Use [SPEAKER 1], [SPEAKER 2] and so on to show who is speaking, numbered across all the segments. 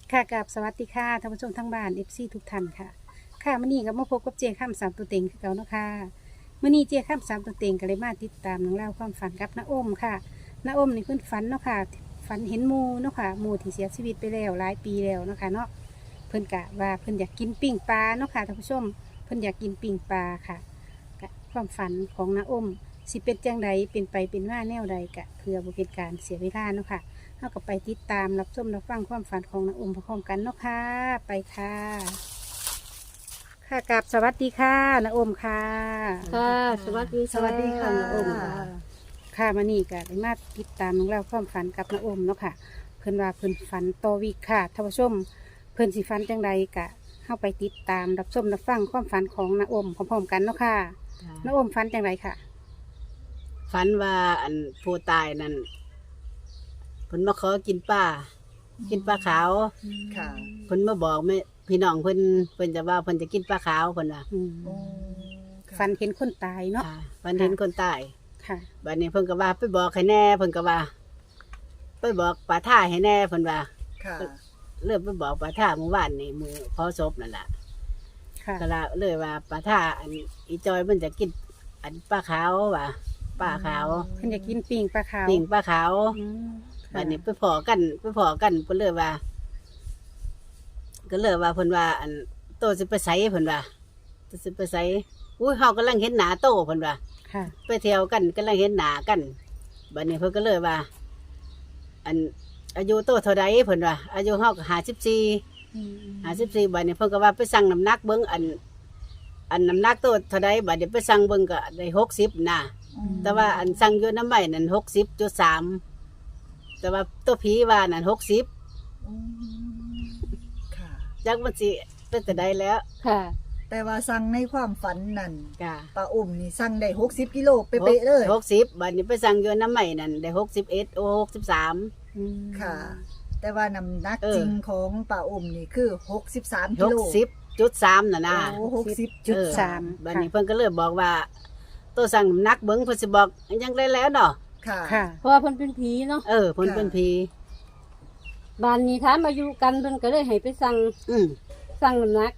[SPEAKER 1] ค่ะกับสวัสดีค่ะท่านผู้ชมทั้งบ้าน FC ทุกท่านค่ะค่ะมื้อนี้ก็มาพบกับเจข้ามสามตัวเต็งคือเก่าเนาะค่ะมื้อนี้เจข้ามสามตัวเต็งก็เลยมาติดตามเรื่องราวความฝันกับน้าอ้มค่ะน้าอ้มนี่เพิ่นฝันเนาะค่ะฝันเห็นหมู่เนาะค่ะหมู่ที่เสียชีวิตไปแล้วหลายปีแล้วเนาะค่ะเนาะเพิ่นกะว่าเพิ่นอยากกินปิ้งปลาเนาะค่ะท่านผู้ชมเพิ่นอยากกินปิ้งปลาค่ะกะความฝันของน้าอ้มสิเป็นจังใดเป็นไปเป็นว่าแนวใดกะเพื่อบ่เป็นการเสียเวลาเนาะค่ะ เราก็ไปติดตามรับชมรับฟังความฝันของน้าอมพร้อมๆกันเนาะค่ะไปค่ะค่ะกับสวัสดีค่ะน้าอมค่ะ
[SPEAKER 2] ค่ะสวัสดี
[SPEAKER 3] สวัสดีค่ะ
[SPEAKER 1] น้าอมค่ะมานี่ก็ได้มาติดตามเรื่องราวความฝันกับน้าอมเนาะค่ะเพิ่นว่าเพิ่นฝันต่อวีคค่ะท่านผู้ชมเพิ่นสิฝันจังใดกะเข้าไปติดตามรับชมรับฟังความฝันของน้าอมพร้อมๆกันเนาะค่ะน้าอมฝันจังใดค่ะ
[SPEAKER 2] ฝันว่าอันผู้ตายนั่นเพิ่นมาขอกินปลาขาว
[SPEAKER 3] ค่ะ
[SPEAKER 2] เพิ่นมาบอกแม่พี่น้องเพิ่นจะว่าเพิ่นจะกินปลาขาวเพิ่นว่า
[SPEAKER 1] ฝันเห็นคนตายเนาะ
[SPEAKER 2] ค่ะฝันเห็นคนตาย
[SPEAKER 1] ค่ะ
[SPEAKER 2] บัดนี้เพิ่นก็ว่าไปบอกให้แน่เพิ่นก็ว่าไปบอกป้าท่าให้แน่เพิ่นว่า
[SPEAKER 3] ค่ะ
[SPEAKER 2] เริ่มไปบอกป้าท่าเมื่อวานนี่มื้อเผาศพนั่นล่ะ
[SPEAKER 1] ค่ะ
[SPEAKER 2] ก็ละเลยว่าป้าท่าอันอีจอยมันจะกินอันปลาขาวว่าปลาขาว
[SPEAKER 1] เพิ่นอยากกินปิ้งปลาขาว
[SPEAKER 2] ปิ้งปลาขาว
[SPEAKER 1] อืมค่ะ
[SPEAKER 2] บัดนี้ไปพอกันเพิ่นเลยว่า ก็เลยว่าเพิ่นว่า อันโตสิไปไสเพิ่นว่าโตสิไปไสอุ้ยเฮากำลังเห็นหน้าโตเพิ่นว่า
[SPEAKER 1] ค่ะ
[SPEAKER 2] ไปเที่ยวกันกำลังเห็นหน้ากันบัดนี้เพิ่นก็เลยว่า อันอายุโตเท่าใดเพิ่นว่าอายุเฮาก็54บัดนี้เพิ่นก็ว่าไปสั่งน้ำหนักเบิ่งอันน้ำหนักโตเท่าใดบัดนี้ไปสั่งเบิ่งก็ได้60นะแต่ว่าอันสั่งอยู่น้ำใบนั่น60.3แต่ว่าตัวผีว่านั่น60
[SPEAKER 3] ค่ะ
[SPEAKER 2] จักมันสิเป็นแต่ใดแล้ว
[SPEAKER 1] ค่ะ
[SPEAKER 3] แต่ว่าสั่งในความฝันนั่น
[SPEAKER 2] จ้ะ
[SPEAKER 3] ป้าอุ้มนี่สั่งได้60กิโลเป๊ะๆเลย
[SPEAKER 2] 60บัดนี้ไปสั่งอยู่น้ำใหม่นั่นได้61โอ้63
[SPEAKER 1] อืม
[SPEAKER 3] ค่ะ แต่ว่าน้ำหนัก
[SPEAKER 2] เออ
[SPEAKER 3] จริงของป้าอุ้มนี่คือ63กิโล
[SPEAKER 2] 60.3น่ะนะ
[SPEAKER 3] โอ้
[SPEAKER 1] จุดสาม
[SPEAKER 2] บัดนี้เพิ่นก็เลยบอกว่าตัวสั่งน้ำหนักเบิ่งเพิ่นสิบอกยังได้แล้วเนาะ
[SPEAKER 3] ค่ะ
[SPEAKER 1] ค่ะ
[SPEAKER 4] เพราะว่าเพิ่นเป็นผีเนาะ
[SPEAKER 2] เเพิ่นเป็นผี
[SPEAKER 4] บ้านนี้ถามอายุกันเพิ่นก็เลยให้ไปสั่ง
[SPEAKER 2] อืม
[SPEAKER 4] สั่งน้ำหนัก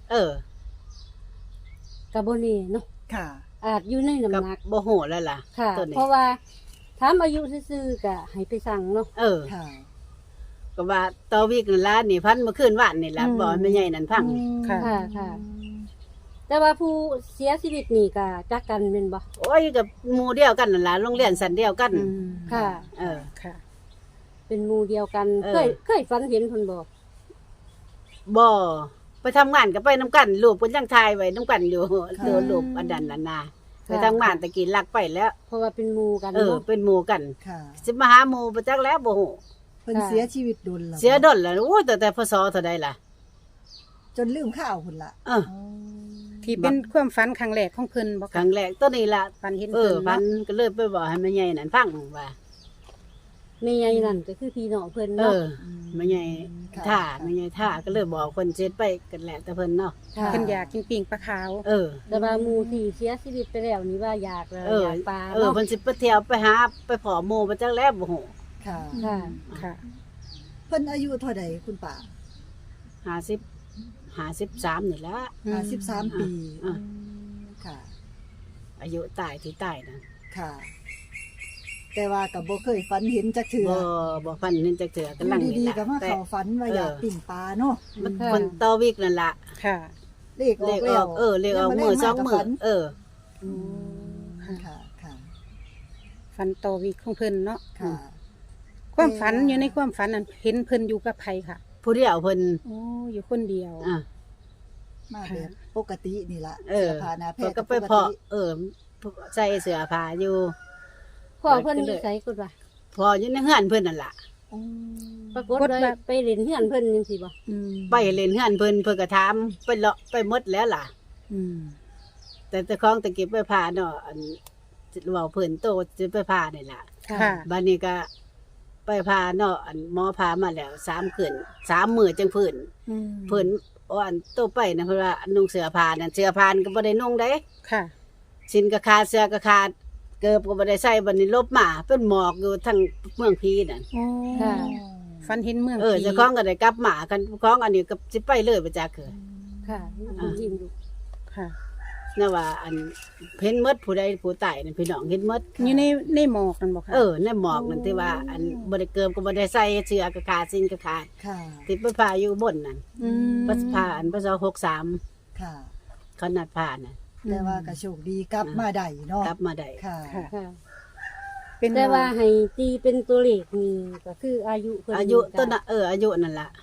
[SPEAKER 2] กับ
[SPEAKER 4] บ่นี่เนาะ
[SPEAKER 3] ค่ะ
[SPEAKER 4] อาจอยู่ใน
[SPEAKER 2] กับ
[SPEAKER 4] น้ำหนัก
[SPEAKER 2] บ่ฮู้แล้วล่ะ
[SPEAKER 4] ค่ะ
[SPEAKER 2] ตัวนี้
[SPEAKER 4] เพราะว่าถามอายุซื่อๆก็ให้ไปสั่งเนาะ
[SPEAKER 3] ค่ะ
[SPEAKER 2] ก็ว่าต่อวีกนั่นล่ะนี่พันเมื่อคืนวานนี่ล่ะบ่แม่ใหญ่นั่นพัง
[SPEAKER 1] ค่ะ
[SPEAKER 4] ค่ะค่ะ แต่ว่าผู้เสียชีวิตนี่ก็จักกันแม่นบ่
[SPEAKER 2] โอ้ยกับหมู่เดียวกันนั่นล่ะโรงเรียนสันเดียวกัน
[SPEAKER 1] อืม
[SPEAKER 4] ค่ะ
[SPEAKER 2] เออ
[SPEAKER 1] ค่ะ
[SPEAKER 4] เป็นหมู่เดียวกัน
[SPEAKER 2] เออ
[SPEAKER 4] เคยฝันเห็นเพิ่นบ่
[SPEAKER 2] บ่ไปทำงานก็ไปน้ำกันลูกเพิ่นยังทายไว้น้ำกันอยู่
[SPEAKER 3] ค่ะ
[SPEAKER 2] ดูลูกอันนั้นน่ะนะไปทำงานตะกี้ลักไปแล้ว
[SPEAKER 4] เพราะว่าเป็นหมู่กัน
[SPEAKER 2] เออ
[SPEAKER 4] เนาะ
[SPEAKER 2] เป็นหมู่กัน
[SPEAKER 3] ค่ะ
[SPEAKER 2] สิมาหาหมู่ประจักแล้วบ่ฮู้
[SPEAKER 3] เพิ่น
[SPEAKER 4] ค่ะ
[SPEAKER 3] เสียชีวิตโดนแล้ว
[SPEAKER 2] เสียดนแล้วโอ้ยแต่พศเท่าใดล่ะ
[SPEAKER 3] จนลืมข้าวพุ่นละ
[SPEAKER 2] เออ
[SPEAKER 1] ที่เป็นความฝันครั้งแรกของเพิ่นบอก
[SPEAKER 2] ครั้งแรกตัวนี้ล่ะ
[SPEAKER 1] ฝันเห็น
[SPEAKER 2] เอ
[SPEAKER 1] เพิ่
[SPEAKER 2] อน พัน
[SPEAKER 1] เนาะ
[SPEAKER 2] ก็เลยไปบอกให้แม่ใหญ่นั่นฟังว่า
[SPEAKER 4] แม่ใหญ่นั่นก็คือพี่น้องเพิ่น
[SPEAKER 2] เอ
[SPEAKER 4] เนาะ
[SPEAKER 2] อแม่ใหญ่
[SPEAKER 3] ค่ะ
[SPEAKER 2] ท่าแม่ใหญ่ท่าก็เลยบอกเพิ่นเสร็จไปกันแหละแต่เพิ่นเนาะ
[SPEAKER 4] ค่ะ
[SPEAKER 1] เพิ่นอยากกินปิ้งปลาขาว
[SPEAKER 2] เออ
[SPEAKER 4] แต่ว่าหมู่ที่เสียชีวิตไปแล้วนี่ว่าอยากแล้ว
[SPEAKER 2] เออ
[SPEAKER 4] อยากปลา
[SPEAKER 2] เออ
[SPEAKER 4] เนาะ
[SPEAKER 2] เพิ่นสิไปเที่ยวไปหาไปผอหมู่ประจักแล้วบ่ฮู้
[SPEAKER 3] ค่ะ
[SPEAKER 4] ค่ะ
[SPEAKER 1] ค่ะ
[SPEAKER 3] เพิ่นอายุเท่าใดคุณป้า
[SPEAKER 2] 53นี่ละ
[SPEAKER 3] 53ปี
[SPEAKER 2] อ่ะ
[SPEAKER 3] ค่ะ
[SPEAKER 2] อายุตายที่ตายนะ
[SPEAKER 3] ค่ะ แต่ว่ากับบ่เคยฝันเห็นจักเถื่อ
[SPEAKER 2] บ่ฟันเห็นจักเถื่อ
[SPEAKER 3] อก
[SPEAKER 2] ำลัง
[SPEAKER 3] ยู่
[SPEAKER 2] นี่
[SPEAKER 3] ดี
[SPEAKER 2] ล่ะ
[SPEAKER 3] ๆก็มา
[SPEAKER 2] แต่
[SPEAKER 3] เข้าฝันว่าอยากปิ่งปลาเนาะ
[SPEAKER 2] มัน
[SPEAKER 4] ค่ะ
[SPEAKER 2] คนต่อวิกนั่นล่ะ
[SPEAKER 1] ค่ะ
[SPEAKER 3] เลขอ
[SPEAKER 2] เล
[SPEAKER 3] อก
[SPEAKER 2] ขอ
[SPEAKER 3] แล้
[SPEAKER 2] อ
[SPEAKER 3] ว
[SPEAKER 2] กเลขออกมื้อ2มื้อเออ
[SPEAKER 3] ค่ะค่ะ
[SPEAKER 1] ฝันต่อวีคของเพิ่นเนาะ
[SPEAKER 3] ค่ะ
[SPEAKER 1] ความฝันอยู่ในความฝันนั้นเห็นเพิ่นอยู่กับไผค่ะ
[SPEAKER 2] ผู้เดียวเพิ่น
[SPEAKER 1] โอ้อยู่คนเดียว
[SPEAKER 2] อ่ะ
[SPEAKER 3] มาแบบปกตินี่ล่ะ
[SPEAKER 2] เออ
[SPEAKER 3] สื้ผ้าหน้าแพ
[SPEAKER 2] เพิ่น
[SPEAKER 3] ทย์
[SPEAKER 2] ก็ไป
[SPEAKER 3] ป
[SPEAKER 2] เพาะใส่เสื้อผ้าอยู่
[SPEAKER 4] พ่อเพิ่นอยู่ไสกุดว่า
[SPEAKER 2] พออยู่ในเฮือนเพิ่นนั่นล่ะ
[SPEAKER 3] อืม
[SPEAKER 4] ปรากฏเลยไปเล่นเฮือนเพิ่นจังซี่บ่
[SPEAKER 1] อืม
[SPEAKER 2] ไปเล่นเฮือนเพิ่นเพิ่นก็ถามไปเลาะไปหมดแล้วล่ะ
[SPEAKER 1] อืม
[SPEAKER 2] แต่ของตะกี้ไปพาเนาะอันเว้าเพิ่นโตสิไปพานี่ล่ะ
[SPEAKER 1] ค่ะ
[SPEAKER 2] บัดนี้ก็ไปพาเนาะอันหมอพามาแล้ว3คืน3มื้อจังพื้น
[SPEAKER 1] อืม
[SPEAKER 2] เพิ่นอันโตไปนะเพิ่นว่านุ่งเสื้อผ้านั่นเสื้อผ้านี่ก็บ่ได้นุ่งเด้
[SPEAKER 1] ค่ะ
[SPEAKER 2] สินก็ขาดเสื้อก็ขาดเกิบก็บ่ได้ใส่บัดนี้ลบมาเป็นหมอกอยู่ทั้งเมืองพีนั่น
[SPEAKER 1] โอ้
[SPEAKER 4] ค่ะ
[SPEAKER 2] เ
[SPEAKER 1] ฝันเห็นเมือง
[SPEAKER 2] เจ้าของก็ได้กลับมากันของอันนี้ก็สิไปเลยบ่จักคือ
[SPEAKER 4] ค่ะยิ้มอยู่
[SPEAKER 1] ค่ะ
[SPEAKER 2] นะว่าอันเห็นหมดผู้ใดผู้ตายนั่นพี่น้องเห็นหมด
[SPEAKER 1] อยู่ในหมอกนั่นบ่ค่ะ
[SPEAKER 2] ในหมอกนั่นที่ว่า อันบ่ได้เกิมก็บ่ได้ใส่เสื้อกระขาดสิ้นกระขาด
[SPEAKER 3] ค่ะ
[SPEAKER 2] ติดไปพาอยู่บนนั่น
[SPEAKER 1] อืม
[SPEAKER 2] พระพาอันพระเจ้า63
[SPEAKER 3] ค่ะ
[SPEAKER 2] เขานัดพาน่ะ
[SPEAKER 3] แต่ว่าก็โชคดีกลับมาได้เนาะ
[SPEAKER 2] กลับมาได้
[SPEAKER 3] ค่ะ
[SPEAKER 1] ค่ะ
[SPEAKER 4] ค่ะ
[SPEAKER 1] เป็น
[SPEAKER 4] แต่ว่าให้ตีเป็นตัวเลขนี่ก็คืออายุเพิ่น
[SPEAKER 2] อายุ
[SPEAKER 4] จ้ะ
[SPEAKER 2] ต้นน่ะอายุนั่นล่ะ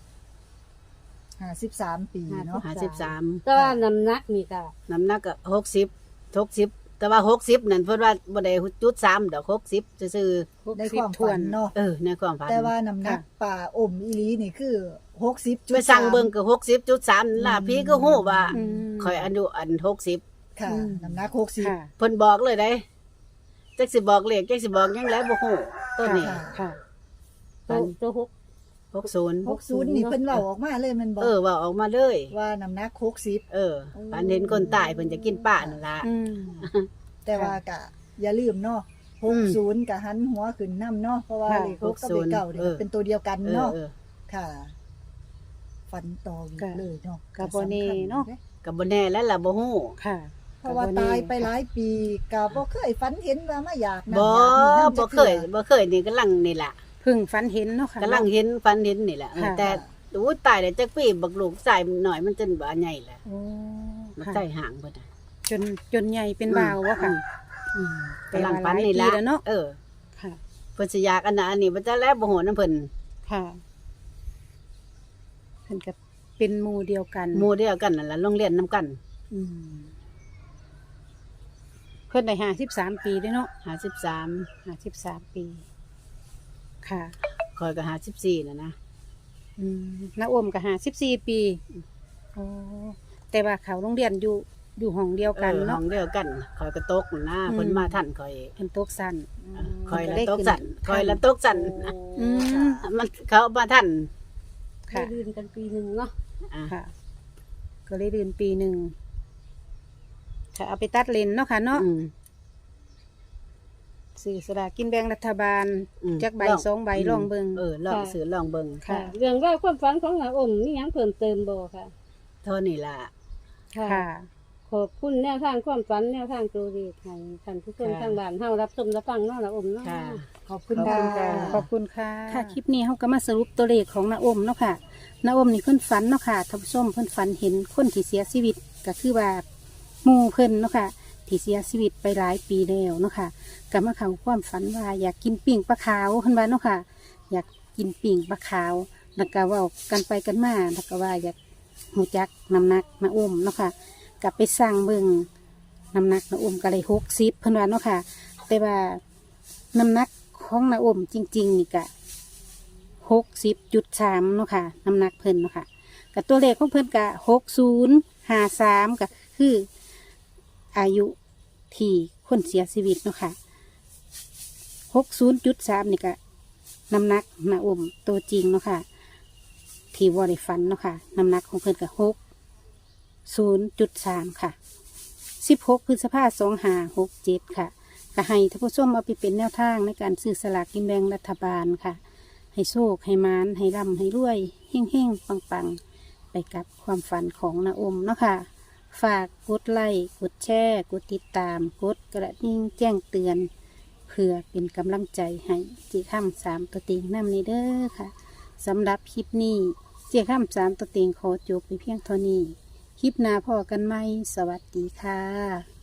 [SPEAKER 3] 53 ปีเนาะ
[SPEAKER 2] 53
[SPEAKER 4] แต่ว่าน้ำหนักนี่ก็
[SPEAKER 2] น้ำหนักก็60แต่ว่า60นั่นเพิ่นว่าบ่ได้จุด3ดอก60ซื่อ
[SPEAKER 3] ในความฝันเนาะ
[SPEAKER 2] ในความฝัน
[SPEAKER 3] แต่ว่าน้ำหนักป่าอมอีหลีนี่คือ60.3
[SPEAKER 2] ไปสั่งเบิ่งก็60.3ล่ะพี่ก็ฮู้ว่า
[SPEAKER 1] อืม
[SPEAKER 2] ข่อยอายุอัน60
[SPEAKER 3] ค่ะ
[SPEAKER 1] อืม
[SPEAKER 3] น้ำหนัก
[SPEAKER 1] ค่ะ
[SPEAKER 2] เพิ่นบอกเลยได้จักสิบอกเลขจักสิบอกหยังแล้วบ่ฮู้ต้นนี้
[SPEAKER 3] ค่ะ
[SPEAKER 1] ค่ะ
[SPEAKER 4] ตัวหก
[SPEAKER 2] 60
[SPEAKER 3] 60นี่เพิ่นเว้าออกมาเลยแมันบอก
[SPEAKER 2] ว่าออกมาเลย
[SPEAKER 3] ว่าน้ำหนัก60
[SPEAKER 2] อันเห็นคนตายเพิ่นจะกินป้านั่นล่ะ
[SPEAKER 1] อืม
[SPEAKER 3] แต่ว่าก็อย่าลืมเนาะ60ก็หันหัวขึ้นนํเนาะเพราะว่า
[SPEAKER 1] ค่ะ
[SPEAKER 3] เลข6กับเลข9นี่เป็นตัวเดียวกันเนาะค่ะ ฝันต่ออีกเลยเนาะ
[SPEAKER 1] ก็บ่แน่เนาะ
[SPEAKER 2] ก็บ่แน่แล้วล่ะบ่ฮู้
[SPEAKER 1] ค่ะ
[SPEAKER 3] เพราะว่าตายไปหลายปีก็บ่เคยฝันเห็นว่ามาอยากนั่น
[SPEAKER 2] บ่
[SPEAKER 3] อยากนี่
[SPEAKER 2] บ่เคยบ่เคยนี่กำลังนี่ล่ะ
[SPEAKER 1] เพิ่งฝันเห็นเนาะค่ะ
[SPEAKER 2] กำลังเห็นฝันเห็นนี่แหละ
[SPEAKER 1] ค่ะ
[SPEAKER 2] แต่อู้ตายแล้วจักปีบักลูกใส่หน่อยมันจนบ่ใหญ่แหละ
[SPEAKER 1] โอ้
[SPEAKER 2] มัน
[SPEAKER 1] ค่ะ
[SPEAKER 2] ใส่ห่างเบิดน่ะ
[SPEAKER 1] จนใหญ่เป็นบ่าววะค่ะ
[SPEAKER 2] อืมกำลังฝันนี่ล่ะ
[SPEAKER 1] แต่ว่าหลายปีแล้วเนาะ ค่ะ
[SPEAKER 2] เพิ่นสิอยากอันนั้นอันนี้บ่จะแล้วบ่โหนำเพิ่น
[SPEAKER 1] ค่ะเพิ่นก็เป็นหมู่เดียวกัน
[SPEAKER 2] หมู่เดียวกันนั่นล่ะโรงเรียนนํกัน
[SPEAKER 1] อืมเพิ่นได้53 ปีเด้อเนาะ
[SPEAKER 2] 53
[SPEAKER 1] 53 ปี ค่ะ
[SPEAKER 2] ข่อยก็54น่ะนะ
[SPEAKER 1] อืมน้าอมก็54 ปีโอ้แต่ว่าเขาโรงเรียนอยู่ห้องเดียวกัน
[SPEAKER 2] ห้
[SPEAKER 1] เนาะ
[SPEAKER 2] องเดียวกันข่อยก็ตกนั่นนะเพิ่นมาทันข่อย
[SPEAKER 1] เพิ่นตกสั้น
[SPEAKER 2] ข่อยละ
[SPEAKER 1] ได้
[SPEAKER 2] ตก
[SPEAKER 1] ขึ้
[SPEAKER 2] สั่นข่อยละตกสั่น
[SPEAKER 1] อืม
[SPEAKER 2] มันเขามาทัน
[SPEAKER 4] ได้
[SPEAKER 1] ค่ะ
[SPEAKER 4] ดื่นกันปีหนึงเนาะ
[SPEAKER 2] อ่ะ
[SPEAKER 1] ค่ะ ก็เลยเรียนปีหนึ่งค่ะเอาไปตัดเลนเนาะค่ะเนาะ
[SPEAKER 2] อืม
[SPEAKER 1] สื่อสลากกินแบ่งรัฐบาล
[SPEAKER 2] อืม
[SPEAKER 1] จักใบ
[SPEAKER 2] ลอง
[SPEAKER 1] 2 ใบลองเบิง
[SPEAKER 2] ลองซื้อลองเบิ่ง
[SPEAKER 1] ค่ะ
[SPEAKER 4] เรื่องราวความฝันของน้าอมมีหยังเพิ่มเติมบ่ค่ะ
[SPEAKER 2] เท่านี้ล่ะ
[SPEAKER 1] ค่ะ
[SPEAKER 4] ขอบคุณแนวทางความฝันแนวทางตัวเลขให้ท่านผู้ชม
[SPEAKER 2] ค่ะ
[SPEAKER 4] ทางบ้านเฮารับชมรับฟังเนาะน้าอมเนาะ
[SPEAKER 2] ค่ะ
[SPEAKER 3] ขอบคุณ
[SPEAKER 2] ขอบ
[SPEAKER 3] ค่ะ
[SPEAKER 2] คุณค่ะ
[SPEAKER 1] ขอบคุณค่ะ ค่ะ คลิปนี้เขาก็มาสรุปตัวเลขของนาอมเนาะค่ะนาอมนี่เพิ่นฝันเนาะค่ะท่านผู้ชมเพิ่นฝันเห็นคนที่เสียชีวิตก็คือว่าหมู่เพิ่นเนาะค่ะที่เสียชีวิตไปหลายปีแล้วเนาะค่ะก็มาเข้าความฝันว่าอยากกินปิ่งปลาขาวเพิ่นว่าเนาะค่ะ อยากกินปิ่งปลาขาวแล้วก็เว่ากันไปกันมาแล้วก็ว่าอยากหูจักน้ำหนักนาอมเนาะค่ะกลับไปสร้างเบิ่งน้ำหนักนาอมก็เลย60เพิ่นว่าเนาะค่ะ แต่ว่าน้ำหนักของนาอมจริงๆนี่ก็60.3เนาะค่ะน้ำหนักเพิ่นเนาะค่ะกับตัวเลขของเพิ่นก็6053ก็คืออายุที่คนเสียชีวิตเนาะค่ะ60.3นี่ก็น้ำหนักนาอมตัวจริงเนาะค่ะที่วอได้ฟันเนาะค่ะน้ำหนักของเพิ่นก็60.3ค่ะ16 พฤษภาคม 2567ค่ะก็ให้ท่านผู้ชมเอาไปเป็นแนวทางในการซื้อสลากกินแบ่งรัฐบาลค่ะ ให้โชคให้มานให้ร่ำให้รวยเฮ่งเฮ่งปังปังๆ ไปกับความฝันของนาอมเนาะค่ะ ฝากกดไลค์กดแชร์กดติดตามกดกระดิ่งแจ้งเตือน เพื่อเป็นกำลังใจให้เจ้าข้าม3 ตัวเต็งนำในเด้อค่ะสำหรับคลิปนี้เจ้าข้าม3 ตัวเต็งขอจบไปเพียงเท่านี้ คลิปหน้าพอกันไหมสวัสดีค่ะ